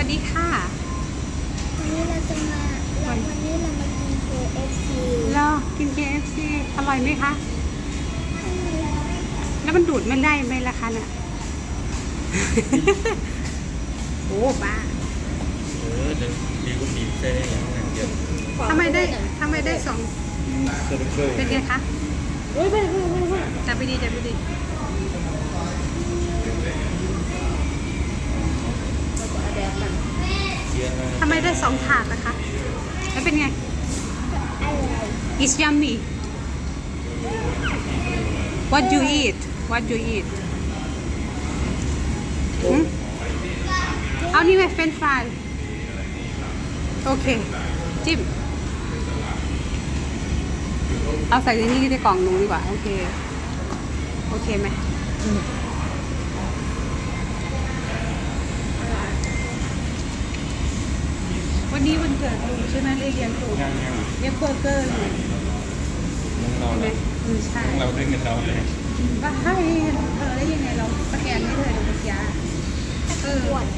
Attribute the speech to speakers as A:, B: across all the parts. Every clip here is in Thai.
A: วัสดีค่ะ
B: วันนี้เราจะมาวันนี้เรามากิน KFC
A: เรากิน KFC อร่อยไหมคะ แล้วมันดูดไม่ได้ไหมล่ะคะเนี่ย โอ้บ้า
C: เดี๋ยวดีกว่าบีบใส่ได้อย่างนั้นเดียว
A: ทำไมได้สอง
C: เซอร์เบอร์
A: เป็นไงคะ
B: เฮ้ยไป
A: จับไปดีจับไปดี
C: เยอะมาก
A: ทำไมได้สองถาดนะคะ แล้วเป็นไง
B: อะไร
A: It's yummy What you eat What you eat หืมเอานี่ไงเฟรนช์ฟรายโอเค จิ้ม เอาใส่ในนี้ในกล่องหนูดีกว่า โอเค โอเคไหมวันนี้วันเกิดลุงใช่ไหมเรียกยังถูก
C: ย่าง
A: เรียกเบอร์เกอร์อยู่
C: เรา
A: ใช่ไหมใช่
C: เราด้วยเงินเราเลย
A: ว่าให้เธอได้ยังไงเราสแกนให้เธอดูปัญญาเหรอ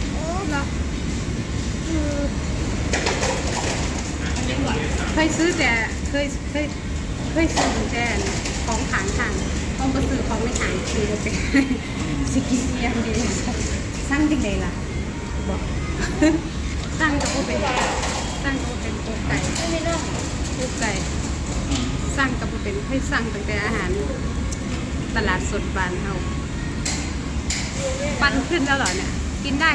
A: เคยซื้อแต่เคยซื้อแต่ของขางทางต้องไปซื้อของไม่ขางซื้อแต่สิกินยังดีสร้างที่ไหนล่ะบอกสร้างกับโอเป็นสร้างกับโอเป็นโอไก่โอไก่สร้างกับโอเป็นให้สร้างตั้งแต่อาหารตลาดสดบ้านเฮาปันขึ้นแล้วเหรอเนี่ยกินได้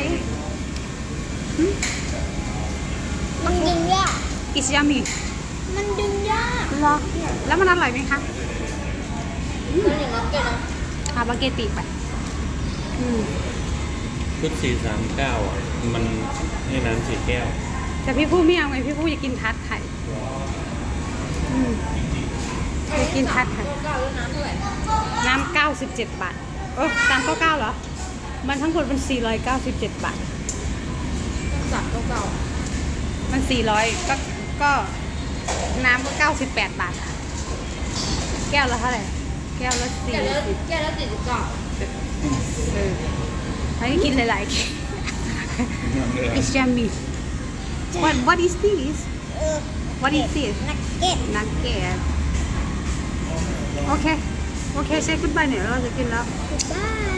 B: มันดึงยาก
A: อิสยามิ
B: มันดึงยาก
A: เหรอแล้วมันอร่อยไหมคะ
B: ตัวหนึ่งก็เกินนะ
A: อาบาเกติไปม
C: ชุด439อ่ะมันให้น้ำ4 แก้ว
A: แต่พี่ผู้ไม่เอาไงพี่ผู้อยากกินทาร์ตไข่อยากกินทาร์ตไข่
B: เก้าแล้วน้ำเท่าไหร่
A: น้ำ97 บาท399เหรอมันทั้งหมดมัน497 บาท
B: สับเก้า
A: มัน400ก็น้ำก็98 บาทอะแก้วละเท่าไหร่แก้วละ40
B: แก้แล้วติดเก้า
A: ให้กินหลายๆ It's yummy What is this What is this
B: นักเก็ต
A: Nugget โอเค say goodbye เนี่ยเราจะกินแล้ว
B: บาย